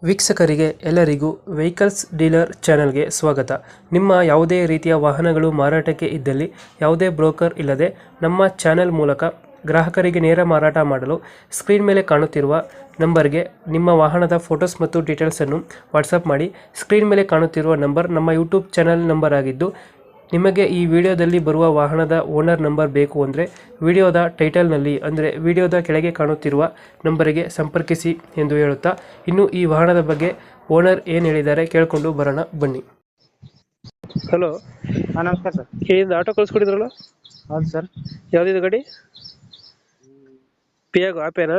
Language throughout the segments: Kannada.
ವೀಕ್ಷಕರಿಗೆ ಎಲ್ಲರಿಗೂ ವೆಹಿಕಲ್ಸ್ ಡೀಲರ್ ಚಾನೆಲ್ಗೆ ಸ್ವಾಗತ. ನಿಮ್ಮ ಯಾವುದೇ ರೀತಿಯ ವಾಹನಗಳು ಮಾರಾಟಕ್ಕೆ ಇದ್ದಲ್ಲಿ ಯಾವುದೇ ಬ್ರೋಕರ್ ಇಲ್ಲದೆ ನಮ್ಮ ಚಾನೆಲ್ ಮೂಲಕ ಗ್ರಾಹಕರಿಗೆ ನೇರ ಮಾರಾಟ ಮಾಡಲು ಸ್ಕ್ರೀನ್ ಮೇಲೆ ಕಾಣುತ್ತಿರುವ ನಂಬರ್ಗೆ ನಿಮ್ಮ ವಾಹನದ ಫೋಟೋಸ್ ಮತ್ತು ಡೀಟೇಲ್ಸನ್ನು ವಾಟ್ಸಪ್ ಮಾಡಿ. ಸ್ಕ್ರೀನ್ ಮೇಲೆ ಕಾಣುತ್ತಿರುವ ನಂಬರ್ ನಮ್ಮ ಯೂಟ್ಯೂಬ್ ಚಾನೆಲ್ ನಂಬರ್ ಆಗಿದ್ದು, ನಿಮಗೆ ಈ ವಿಡಿಯೋದಲ್ಲಿ ಬರುವ ವಾಹನದ ಓನರ್ ನಂಬರ್ ಬೇಕು ಅಂದರೆ ವಿಡಿಯೋದ ಟೈಟಲ್ನಲ್ಲಿ ಅಂದರೆ ವಿಡಿಯೋದ ಕೆಳಗೆ ಕಾಣುತ್ತಿರುವ ನಂಬರಿಗೆ ಸಂಪರ್ಕಿಸಿ ಎಂದು ಹೇಳುತ್ತಾ, ಇನ್ನು ಈ ವಾಹನದ ಬಗ್ಗೆ ಓನರ್ ಏನು ಹೇಳಿದ್ದಾರೆ ಕೇಳಿಕೊಂಡು ಬರೋಣ ಬನ್ನಿ. ಹಲೋ, ಹಾಂ ನಮಸ್ಕಾರ ಸರ್. ಏನಿದೆ ಆಟೋ ಕಳಿಸ್ಕೊಟ್ಟಿದ್ರಲ್ಲ, ಹೌದು ಸರ್. ಯಾವುದಿದೆ ಗಾಡಿ? ಪಿಯಾಗೋ ಆಪೇನಾ?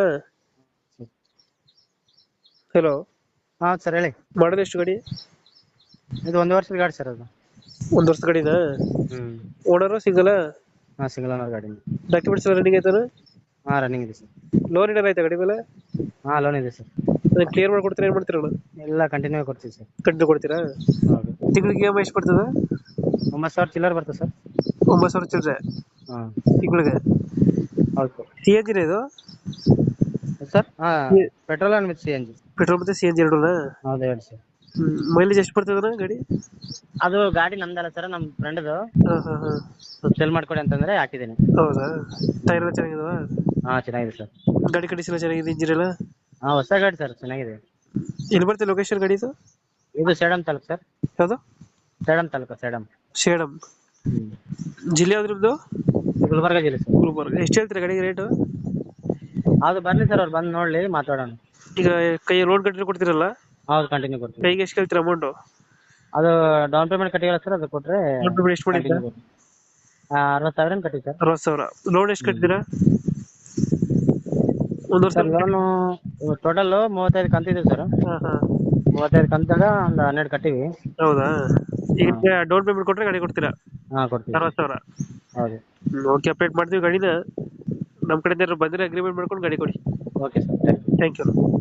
ಹಲೋ, ಹಾಂ ಸರ್ ಹೇಳಿ. ಮಾಡೋದು ಎಷ್ಟು ಗಾಡಿ? ಇದು 1 ವರ್ಷದ ಗಾಡಿ ಸರ್ ಅದು. ಒಂದು ವರ್ಷದ ಗಾಡಿನಾ? Owner single? ಹಾಂ ಸಿಂಗಲ್ ಓನರ್ ಗಾಡಿ. ಡಾಕ್ಯುಮೆಂಟ್ಸ್ ಎಲ್ಲ ರನ್ನಿಂಗ್ ಆಯ್ತಾನ? ಹಾಂ ರನ್ನಿಂಗ್ ಇದೆ ಸರ್. ಲೋನ್ ಏನಾರ ಆಯ್ತಾ ಗಾಡಿ ಮೇಲೆ? ಹಾಂ ಲೋನ್ ಇದೆ ಸರ್. ಅದನ್ನ ಕ್ಲಿಯರ್ ಮಾಡ್ಕೊಡ್ತೀರಾ, ಏನು ಮಾಡ್ತೀರಲ್ಲ? ಎಲ್ಲ ಕಂಟಿನ್ಯೂ ಕೊಡ್ತೀವಿ ಸರ್. ಕಂಟಿನ್ಯೂ ಕೊಡ್ತೀರಾ? ಹೌದು. ತಿಂಗಳಿಗೆ EMI ಎಷ್ಟು ಬರ್ತದೆ? 9,000 ಚಿಲ್ಲರ್ ಬರ್ತದೆ ಸರ್. 9,000 ಚಿಲ್ಲರೆ ಹಾಂ ತಿಂಗಳಿಗೆ? ಹೌದು ಸರ್. CNG ಇದು? ಸರ್ ಹಾಂ petrol and with CNG. Petrol ಮತ್ತೆ CNG ಎರಡೂನಾ? ಹೌದು ಹೇಳಿ ಸರ್. ಮೈಲೇಜ್ ಎಷ್ಟು ಬರ್ತದಣ್ಣ ಗಾಡಿ? ಅದು ಗಾಡಿ ನಮ್ದಲ್ಲ ಸರ್, ನಮ್ಮ ಫ್ರೆಂಡ್ದು. ಹಾಂ ಹಾಂ ಹಾಂ. ಸೆಲ್ ಮಾಡ್ಕೊಡಿ ಅಂತಂದರೆ ಹಾಕಿದ್ದೀನಿ. ಹೌದಾ? ಟೈರ್ ಎಲ್ಲ ಚೆನ್ನಾಗಿದಾವ? ಹಾಂ ಚೆನ್ನಾಗಿದೆ ಸರ್. ಗಾಡಿ ಕಂಡೀಷನ್ ಚೆನ್ನಾಗಿದೆ, ಇಂಜಿನ್ ಎಲ್ಲ? ಹಾಂ ಹೊಸ ಗಾಡಿ ಸರ್, ಚೆನ್ನಾಗಿದೆ. ಎಲ್ಲಿ ಬರ್ತದೆ ಲೊಕೇಶನ್ ಗಾಡಿದು? ಇದು ಸೇಡಂ ತಾಲೂಕು ಸರ್. ಯಾವುದು? ಸೇಡಂ ತಾಲೂಕು, ಸೇಡಂ. ಸೇಡಂ ಜಿಲ್ಲೆ ಯಾವ್ದು ನಿಮ್ಮದು? ಗುಲ್ಬರ್ಗ ಜಿಲ್ಲೆ ಸರ್. ಗುಲ್ಬರ್ಗ. ಎಷ್ಟು ಹೇಳ್ತೀರಾ ಗಾಡಿಗೆ ರೇಟು? ಅದು ಬರಲಿ ಸರ್, ಅವ್ರು ಬಂದು ನೋಡಲಿ ಮಾತಾಡೋಣ. ಈಗ ಕೈ ಲೋನ್ ಕಂಟಿನ್ಯೂ ಕೊಡ್ತೀರಲ್ಲ, ಹೌದು ಕಂಟಿನ್ಯೂ ಕೊಡ್ತೀವಿ. ಕೈಗೆ ಎಷ್ಟು ಕೇಳ್ತೀರಾ ಅಮೌಂಟು? ಅದು ಡೌನ್ ಪೇಮೆಂಟ್ ಕಟ್ಟಿಲ್ಲ ಸರ್, ಅದು ಕೊಟ್ಟರೆ ಡೌನ್ ಪೇಮೆಂಟ್ ಎಷ್ಟು ಮಾಡಿದ್ದೀರಾ? 60,000 ಕಟ್ಟಿ ಸರ್. 60,000. ಲೋನ್ ಎಷ್ಟು ಕಟ್ತೀರಾ ಒಂದು ವರ್ಷ? ಸರ್ ಲೋನು ಟೋಟಲ್ 35 ಕಂತಿದೆ ಸರ್. ಹಾಂ ಹಾಂ. 35 ಕಂತಾಗ ಒಂದು 12 ಕಟ್ಟಿವಿ. ಹೌದಾ? ಈಗ ಡೌನ್ ಪೇಮೆಂಟ್ ಕೊಟ್ಟರೆ ಗಾಡಿ ಕೊಡ್ತೀರಾ? ಹಾಂ ಕೊಡ್ತೀವಿ. 60,000. ಹೌದು. ಓಕೆ, ಅಪ್ಡೇಟ್ ಮಾಡ್ತೀವಿ ಗಾಡಿನ. ನಮ್ಮ ಕಡೆಯಿಂದ ಬಂದರೆ ಅಗ್ರಿಮೆಂಟ್ ಮಾಡ್ಕೊಂಡು ಗಾಡಿ ಕೊಡಿ. Okay sir, thank you. Thank you.